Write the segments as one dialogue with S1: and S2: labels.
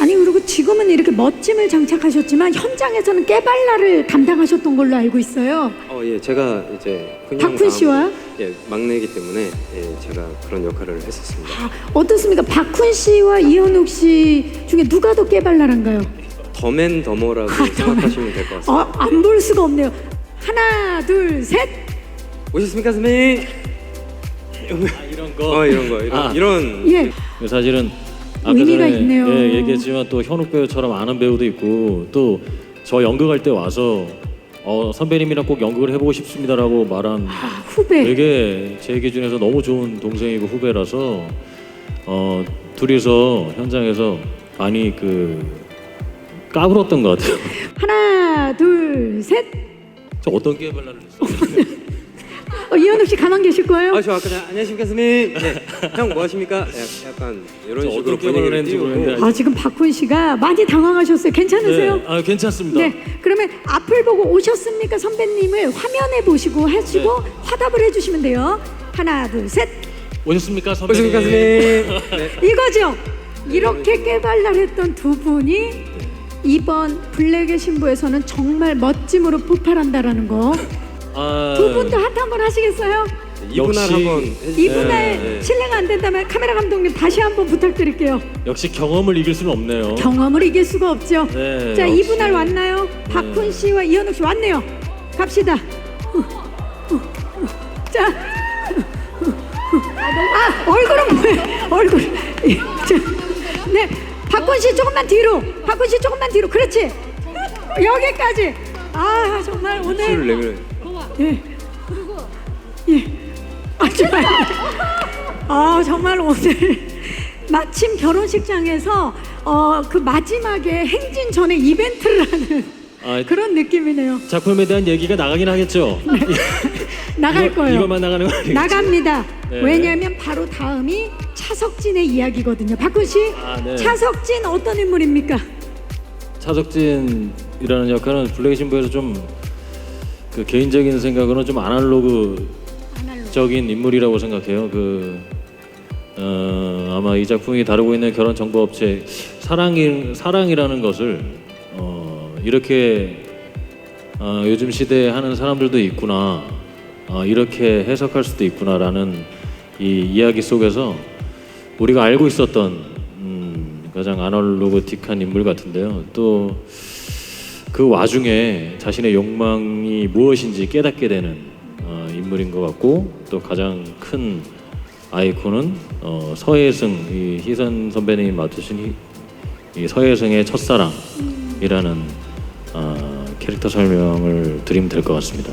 S1: 아니 그리고 지금은 이렇게 멋짐을 장착하셨지만 현장에서는 깨발랄을 담당하셨던 걸로 알고 있어요.
S2: 예, 제가 이제
S1: 박훈 씨와
S2: 막내이기 때문에 제가 그런 역할을 했었습니다.
S1: 어떻습니까? 박훈 씨와 이현욱 씨 중에 누가 더 깨발랄한가요?
S2: 더맨더머라고 생각하시면 될 것 같습니다.
S1: 안 볼 수가 없네요. 하나, 둘, 셋.
S2: 오셨습니까, 선배님?
S3: 이런 거.
S2: 이런.
S1: 예.
S3: 사실은 아까
S1: 의미가
S3: 전에
S1: 있네요.
S3: 얘기했지만 또 현욱 배우처럼 아는 배우도 있고 또 저 연극할 때 와서 선배님이랑 꼭 연극을 해보고 싶습니다라고 말한
S1: 후배.
S3: 되게 제 기준에서 너무 좋은 동생이고 후배라서 둘이서 현장에서 많이 까불었던 것 같아요.
S1: 하나, 둘, 셋.
S3: 저 어떤 깨발랄을 했어요?
S1: 이현욱 씨 가만 계실 거예요?
S2: 저 아까 안녕하십니까, 선배님. 네. 형 뭐 하십니까? 약간 이런 식으로 분위기를 띄우고.
S1: 지금 박훈 씨가 많이 당황하셨어요. 괜찮으세요?
S3: 네, 괜찮습니다.
S1: 네, 그러면 앞을 보고 오셨습니까 선배님을 화면에 보시고 하시고 화답을 해주시면 돼요. 하나, 둘, 셋.
S3: 오셨습니까, 선배님?
S2: 오셨습니까, 선배님? 네.
S1: 이거죠. 이렇게 깨발랄했던 두 분이 이번 블랙의 신부에서는 정말 멋짐으로 폭발한다라는 거. 두 분도 핫 한번 하시겠어요?
S2: 이분할 한번 해주세요.
S1: 이분할 실례가 안 된다면 카메라 감독님 다시 한번 부탁드릴게요.
S3: 역시 경험을 이길 수는 없네요.
S1: 경험을 이길 수가 없죠.
S3: 네,
S1: 자,
S3: 역시.
S1: 이분할 왔나요? 박훈 씨와 이현욱 씨 왔네요. 갑시다. 자, 얼굴은 뭐예요? 얼굴. 자, 네, 박훈 씨 조금만 뒤로. 박훈 씨 조금만 뒤로. 그렇지. 여기까지. 정말 오늘.
S2: 내밀어요.
S1: 예. 예. 정말 오늘 마침 결혼식장에서 그 마지막에 행진 전에 이벤트를 하는 그런 느낌이네요.
S3: 작품에 대한 얘기가 나가긴 하겠죠.
S1: 나갈 거예요.
S3: 이것만 나가는 거 아니겠죠?
S1: 나갑니다.
S3: 네.
S1: 왜냐하면 바로 다음이 차석진의 이야기거든요. 박훈 씨,
S3: 네.
S1: 차석진 어떤 인물입니까?
S3: 차석진이라는 역할은 블랙의 신부에서 좀 개인적인 생각으로는 좀 아날로그적인 인물이라고 생각해요. 아마 이 작품이 다루고 있는 결혼 정보 업체 사랑이라는 것을 이렇게 요즘 시대에 하는 사람들도 있구나, 이렇게 해석할 수도 있구나라는 이 이야기 속에서 우리가 알고 있었던 가장 아날로그틱한 인물 같은데요. 또 그 와중에 자신의 욕망이 무엇인지 깨닫게 되는 인물인 것 같고, 또 가장 큰 아이콘은 서혜승, 이 희선 선배님이 맡으신 이 서혜승의 첫사랑이라는 캐릭터 설명을 드리면 될 것 같습니다.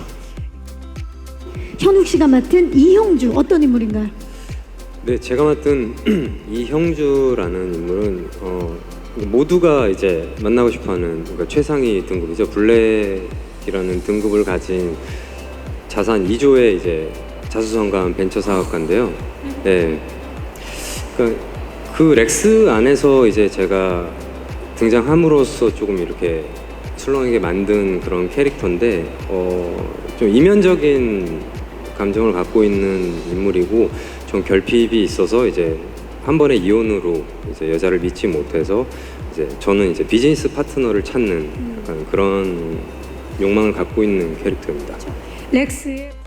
S1: 현욱 씨가 맡은 이형주 어떤 인물인가요?
S2: 네, 제가 맡은 이형주라는 인물은 모두가 이제 만나고 싶어하는 최상위 등급이죠. 블랙이라는 등급을 가진 자산 2조의 이제 자수성가한 벤처 사업가인데요. 네, 그러니까 그 렉스 안에서 이제 제가 등장함으로써 조금 이렇게 술렁이게 만든 그런 캐릭터인데 좀 이면적인 감정을 갖고 있는 인물이고, 좀 결핍이 있어서 이제 한 번에 이혼으로 이제 여자를 믿지 못해서 이제 저는 이제 비즈니스 파트너를 찾는 약간 그런 욕망을 갖고 있는 캐릭터입니다.
S1: 렉스의